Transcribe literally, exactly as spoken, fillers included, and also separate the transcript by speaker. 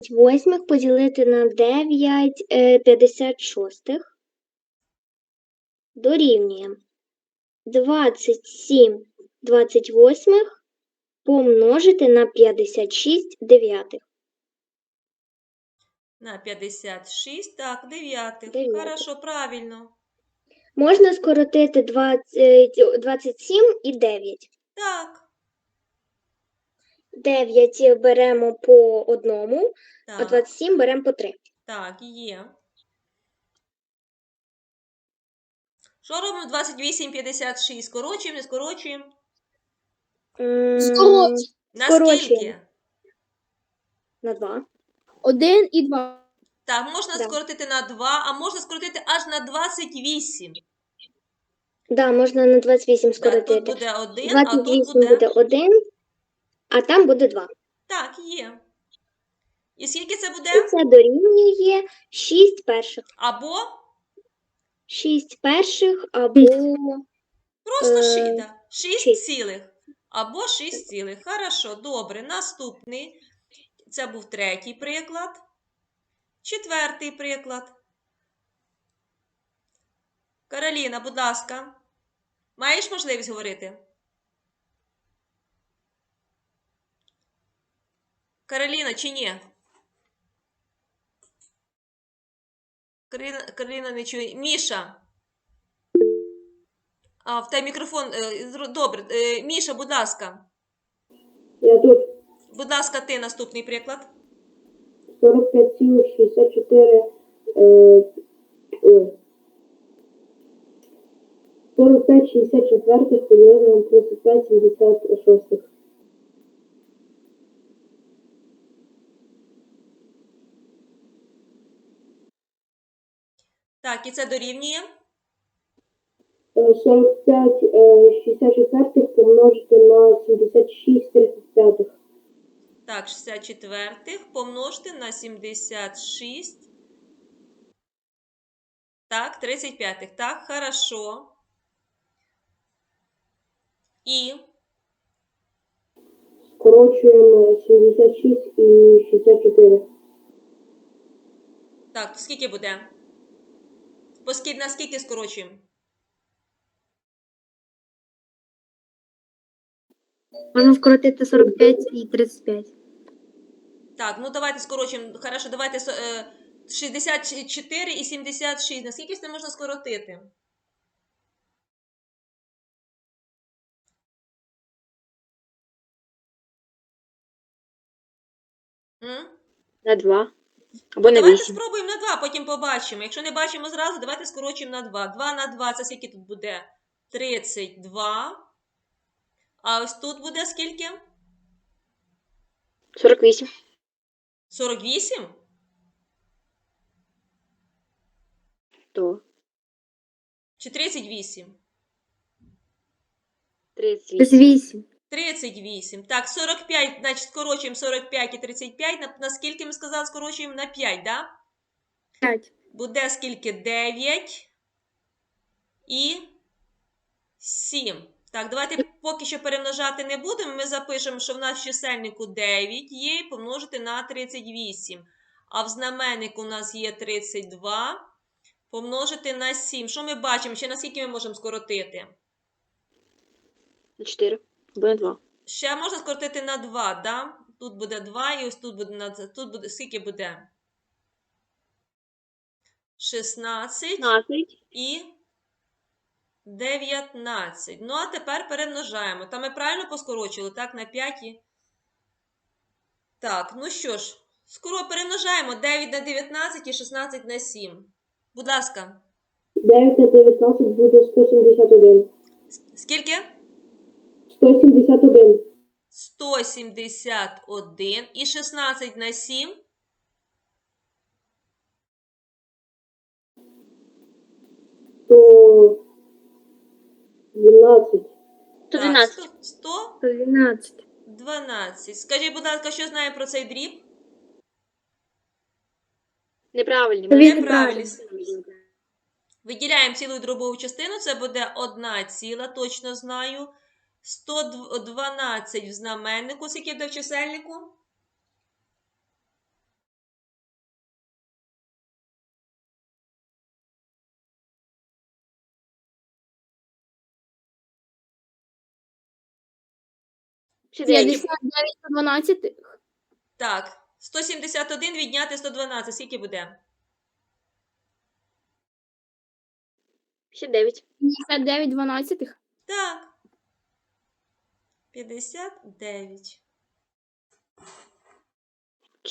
Speaker 1: восьмих поділити на дев'ять п'ятдесят шостих дорівнює двадцять сім двадцять восьмих помножити на п'ятдесят шість дев'ятих.
Speaker 2: На п'ятдесят шість, так, дев'ятих.
Speaker 1: Дев'ятих.
Speaker 2: Хорошо, правильно.
Speaker 1: Можна скоротити двадцять, двадцять сім і дев'ять.
Speaker 2: Так,
Speaker 1: дев'ять беремо по одному, а
Speaker 2: так,
Speaker 1: двадцять сім беремо по три.
Speaker 2: так, є. Що робимо двадцять вісім п'ятдесят шість? Скорочуємо, не скорочуємо?
Speaker 1: М,
Speaker 3: Скорочуємо.
Speaker 2: На
Speaker 1: Скорочуємо.
Speaker 2: скільки?
Speaker 1: На два.
Speaker 3: Один і два.
Speaker 2: Так, можна
Speaker 1: Да.
Speaker 2: скоротити на два, а можна скоротити аж на двадцять вісім.
Speaker 1: Да, можна на двадцять вісім
Speaker 2: Так,
Speaker 1: скоротити.
Speaker 2: тут буде один, а
Speaker 1: двадцять
Speaker 2: тут
Speaker 1: вісім буде
Speaker 2: буде...
Speaker 1: один, а там буде два.
Speaker 2: Так, є. І скільки це буде?
Speaker 1: І це дорівнює шість перших.
Speaker 2: Або
Speaker 1: шість перших або
Speaker 2: просто
Speaker 1: Е,
Speaker 2: ши- да, шість
Speaker 1: шість.
Speaker 2: цілих. Або шість цілих. Хорошо, добре. Наступний. Це був третій приклад. Четвертий приклад. Кароліна, будь ласка. Маєш можливість говорити? Кароліна, чи ні? Кароліна, Кароліна не чує. Міша. А, в тебе мікрофон. е, зро- Добре. Е, Міша, будь ласка.
Speaker 4: Я тут
Speaker 2: Будь ласка, ти наступний приклад.
Speaker 4: сорок п'ять цілих шістдесят чотири, е, ой, сорок п'ять шістдесят четвертих поділити на тридцять п'ять сімдесят шостих.
Speaker 2: Так, і це дорівнює.
Speaker 4: Е, сорок п'ять е, шістдесят четвертих помножити на сімдесят шість тридцять п'ятих.
Speaker 2: Так, шістдесят четвертих помножити на сімдесят шість. Так, тридцять п'ятих. Так, хорошо. І
Speaker 4: Скорочуємо сімдесят шість і шістдесят чотири.
Speaker 2: так, скільки буде? Поскільки, на скільки скорочуємо?
Speaker 3: Можна скоротити сорок п'ять і тридцять п'ять.
Speaker 2: Так, ну давайте скорочуємо. Хорошо, давайте е, шістдесят чотири і сімдесят шість. Наскільки це можна скоротити? М?
Speaker 1: на два. Або на
Speaker 2: Давайте
Speaker 1: вісім.
Speaker 2: спробуємо на два, потім побачимо. Якщо не бачимо зразу, давайте скорочуємо на два. два на два, це скільки тут буде? тридцять два. А ось тут буде скільки?
Speaker 1: сорок вісім.
Speaker 2: сорок вісім?
Speaker 1: То
Speaker 2: Чи тридцять вісім?
Speaker 1: тридцять
Speaker 3: Плюс
Speaker 1: вісім.
Speaker 3: вісім.
Speaker 2: тридцять вісім. Так, сорок п'ять, значить, скорочуємо сорок п'ять і тридцять п'ять. На, на скільки ми сказали, скорочуємо? На п'ять, да?
Speaker 3: п'ять.
Speaker 2: Буде скільки? дев'ять і сім. Так, давайте поки що перемножати не будемо. Ми запишемо, що в нас в чисельнику дев'ять є і помножити на тридцять вісім. А в знаменнику у нас є тридцять два помножити на сім. Що ми бачимо? Ще на скільки ми можемо скоротити?
Speaker 1: На чотири. Або на два.
Speaker 2: Ще можна скоротити на два, да? Тут буде два і ось тут буде, на- тут буде, скільки буде? шістнадцять
Speaker 1: п'ятнадцять.
Speaker 2: і дев'ятнадцять. Ну, а тепер перемножаємо. Та ми правильно поскорочили, так, на п'ять. І... Так, ну що ж, скоро перемножаємо дев'ять на дев'ятнадцять і шістнадцять на сім. Будь ласка.
Speaker 4: дев'ять на дев'ятнадцять буде сто сімдесят один.
Speaker 2: Скільки?
Speaker 4: сто сімдесят один.
Speaker 2: сто сімдесят один і шістнадцять на сім.
Speaker 4: сто дванадцять.
Speaker 1: сто
Speaker 2: Так,
Speaker 1: дванадцять.
Speaker 2: сто, сто
Speaker 3: дванадцять.
Speaker 2: дванадцять. Скажіть, будь ласка, що знаємо про цей дріб?
Speaker 1: Неправильно.
Speaker 3: Він
Speaker 2: Неправильно. Виділяємо цілу дробову частину, це буде одна ціла, точно знаю. сто дванадцять в знаменнику, скільки буде в чисельнику?
Speaker 1: Ще дев'ять.
Speaker 3: п'ятдесят дев'ять сто дванадцять.
Speaker 2: Так, сто сімдесят один відняти сто дванадцять. Скільки буде?
Speaker 1: Ще дев'ять.
Speaker 3: п'ятдесят дев'ять дванадцятих.
Speaker 2: Так. п'ятдесят дев'ять.